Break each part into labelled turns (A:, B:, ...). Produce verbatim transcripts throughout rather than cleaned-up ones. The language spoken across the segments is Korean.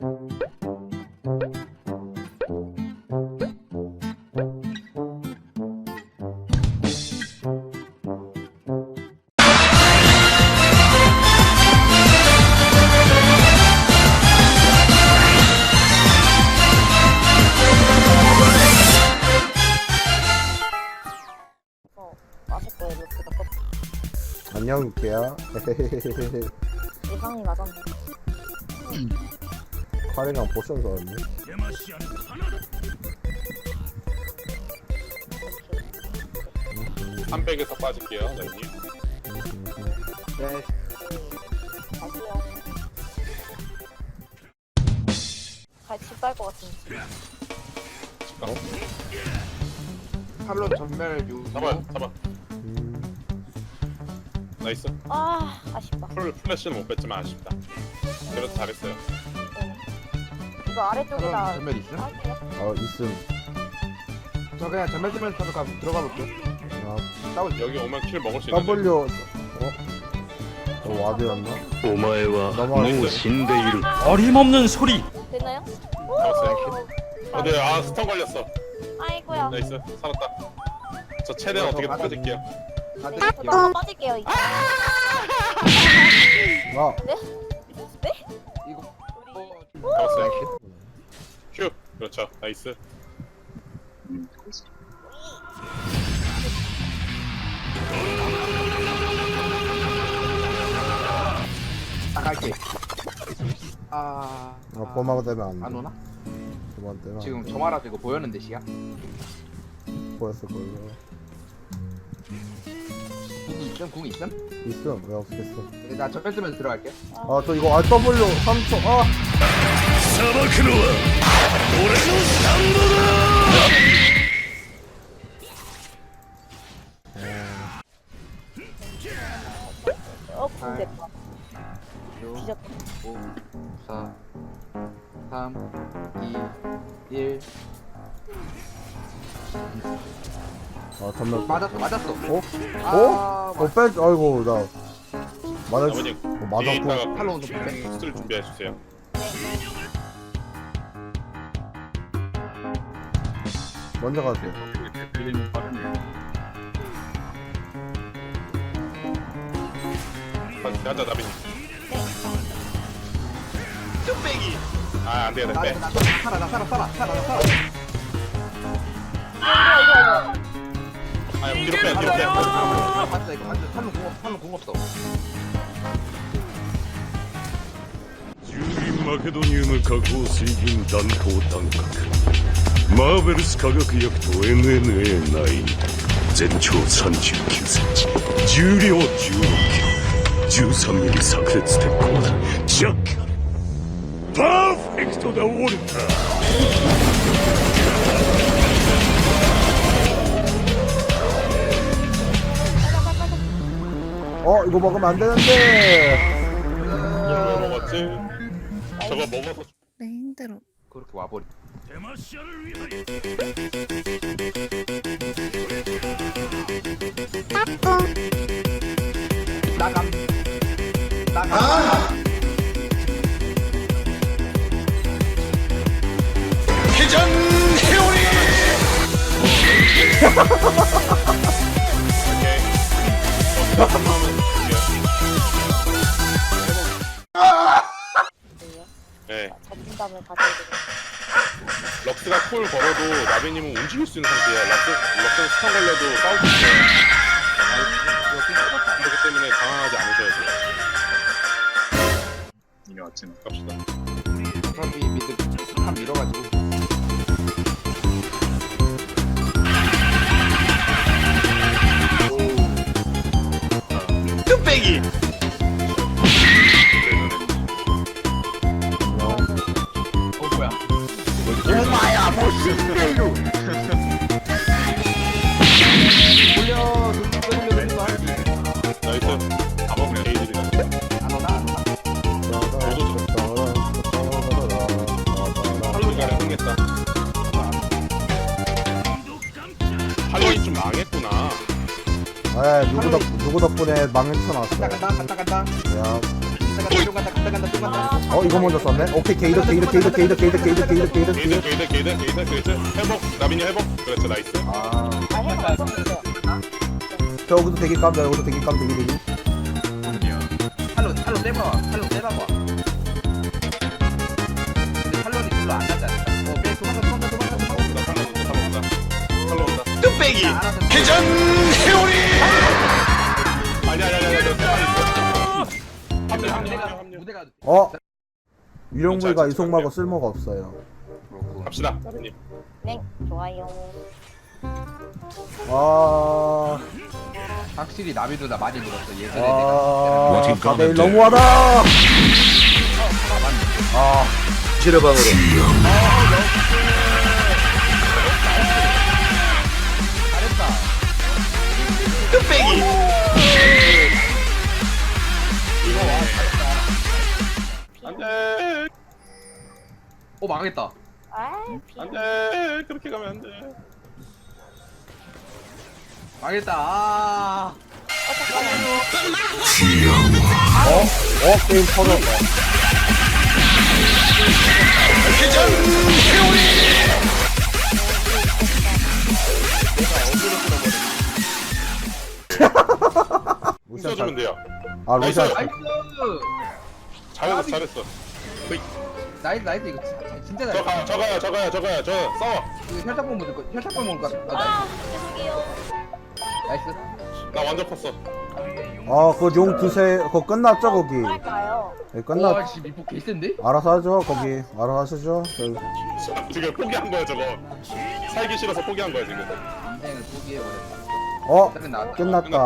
A: 안녕 유키야.
B: 예상이 맞았네.
A: 카리랑 포션 사왔네.
C: 삼백에서 빠질게요, 나님.
A: 네.
B: 다시요. 같이 빨것 같은데.
C: 어?
D: 탈론 전멸 유.
C: 잡아, 잡아.
A: 음.
C: 나이스.
B: 아, 아쉽다.
C: 풀 플래시는 못 뺐지만 아쉽다. 그래도 잘했어요.
B: 네. 이거 아래쪽에다
D: 탈론 전멸 있음?
B: 할게요.
A: 어 있음.
D: 저 그냥 전멸 쓰면서 들어가 들어가 볼게.
A: 야,
D: 싸우지.
C: 여기 오면 킬 먹을 수 있는데.
A: W. 어? 저 와드였나?
E: お前はもう死んでいる。
F: 어림없는 소리.
B: 됐나요?
C: 잡았어요. 아, 네, 아 스턴 걸렸어.
B: 아이고야.
C: 나이스, 살았다. 저 최대한 어떻게
D: 맞아.
C: 빠질게요.
D: 다들
B: 또 빠질게요, 이제.
A: 나.
B: 네? 네?
D: 이거
B: 우리
D: 어,
C: 잡았어요. 큐. 그렇죠. 나이스.
D: 나갈게. 아.
A: 아 꼬마가 되면 안 돼.
D: 안 오나?
A: 그만 되면
D: 지금 점화라도 이거 보였는데 시야?
A: 보였을 걸요.
D: 궁 있음? 궁 있음?
A: 있음. 왜 없겠어?
D: 네, 나 전멸 쓰면서 들어갈게.
A: 아 저 이거 아 W 삼 초. 아.
E: 裁くのは俺のスタンドだ。
B: 어, 공 됐다.
D: 육,
B: 뒤졌다.
D: 오, 사, 삼, 이, 일.
A: 아 잠만.
D: 맞았어, 맞았어.
A: 어?
D: 아,
A: 어? 어 뺀. 아이고 나. 맞았.
C: 아버님,
A: 어,
C: 뒤에
A: 맞았고.
C: 있다가
D: 탈론 좀 빼.
C: 수술 준비해 주세요.
A: 먼저 가세요.
C: 가자, 나빈. 뚝배기. 아, 안 돼, 안
D: 나,
C: 돼.
D: 나, 나 살아, 나 살아, 살아, 살아, 나 살아.
B: 이거, 이거, 이거.
C: 아, 뒤로 빼, 뒤로 빼.
D: 맞다, 이거 완전 탈론 궁, 없- 탈론 궁 없어.
E: ジューリン・マケドニウム加工水銀弾頭単核マーベルス化学薬と エヌエヌエーナイン 全長さんじゅうきゅうセンチ重量じゅうろっキロじゅうさんミリ炸裂鉄鋼だジャッカルパーフェクトだウォルター
A: 어 이거 먹으면 안 되는데.
C: 이걸 왜 먹었지? 저거 먹어서
G: 네, 힘들어.
D: 그렇게 와버리. 나감. 나감. 아!
E: 회전 회오리
C: 네.
B: 자신감을 가져야 되겠다.
C: 럭스가 콜 걸어도 나비님은 움직일 수 있는 상태예요. 럭스, 럭스는 스턴 걸려도 싸울 수 있어요. 그렇기 때문에 당황하지 않으셔야 돼요. 이게 아침 갑시다.
D: 어차피 미드 탑 밀어가지고.
E: 뚝배기
D: 어 뭐야?
E: 오마야 모신대로
D: 돌려, 돌려, 돌려, 돌려.
C: 나이스. 다 먹으면 게이들이다.
D: 안 오나? 안 오나?
C: 할로이가 흥했다. 할로이 좀 망했구나.
A: 아 누구 덕 누구 덕분에 망쳐
D: 간다,
A: 놨어.
D: 간다, 간다, 간다.
A: 야.
D: 똥 간다 똥 간다 똥 간다.
A: 어 이거 먼저 썼네. 오케이 게이드 게이드 게이드 게이드 게이드 게이드 게이드 게이드
C: 게이드 게이드 게이드 게이드 게이드 회복 나빈이 회복 그렇죠 나이스
D: 아.
B: 아, 해가 안 썼는데.
A: 저 여기도 되게 깜다 여기도 되게 깜 되게 되게.
D: 탈론 탈론 떼봐. 탈론 떼봐봐. 근데 탈론이 별로 안 나지 않을까? 어, 매 도망가 도망가 도망가 도망가.
C: 탈로 온다 탈로 온다 탈로 온다
E: 뚝배기
D: 알아서
E: 회전 회오리
C: 아니 아니 아니 아니 아니 합류 합류
D: 무대가
C: 합류
D: 무대가
A: 어 유령물과 이속마고 쓸모가 없어요.
C: 갑시다 나빈님
B: 네, 좋아요.
A: 아,
D: 확실히 나비보다 많이 늘었어. 예전에
A: 아,
E: What you
A: 사 대 일
E: gonna do?
A: 너무하다. 아,
E: 지뢰방으로
D: 잘했다.
E: 뚝배기
C: 안돼
D: 오 망했다.
B: 아이, 비.
C: 안돼 그렇게 가면 안돼
D: 망했다. 아.
B: 어, 잠깐만요.
A: 어, 어 게임 터졌다.
E: 회전 회오리
A: 루시안
C: 웃어주면
A: 잘,
C: 돼요
A: 아 루시안
C: 나이스.
A: 잘-
D: 나이스.
C: 잘했어 잘했어
D: 나이스 나이스 이거 진짜, 진짜
C: 저
D: 잘했어.
C: 가요 저 가요 저 가요 저 가요 저 싸워
D: 이거 혈착병 먹을 거 혈착병 먹을 거. 아,
B: 아, 죄송해요.
D: 나이스.
C: 나 완전 컸어
A: 아, 그 용 두세 그거 끝났죠 거기.
B: 할까요?
A: 네,
D: 와,
A: 끝났.
D: 씨 미포 개센데?
A: 알아서 하죠 거기. 알아서 하시죠. 저기.
C: 지금 포기한 거야 저거 살기 싫어서 포기한 거야 지금
D: 인생을 포기해버렸다.
A: 어,
D: 다른 나왔다.
A: 끝났다.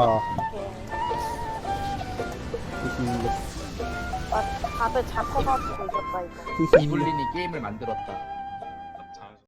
B: 오케이. 아, 다들 잡혀가지고 이겼다, 이거.
A: 히히.
D: 이블린이 게임을 만들었다.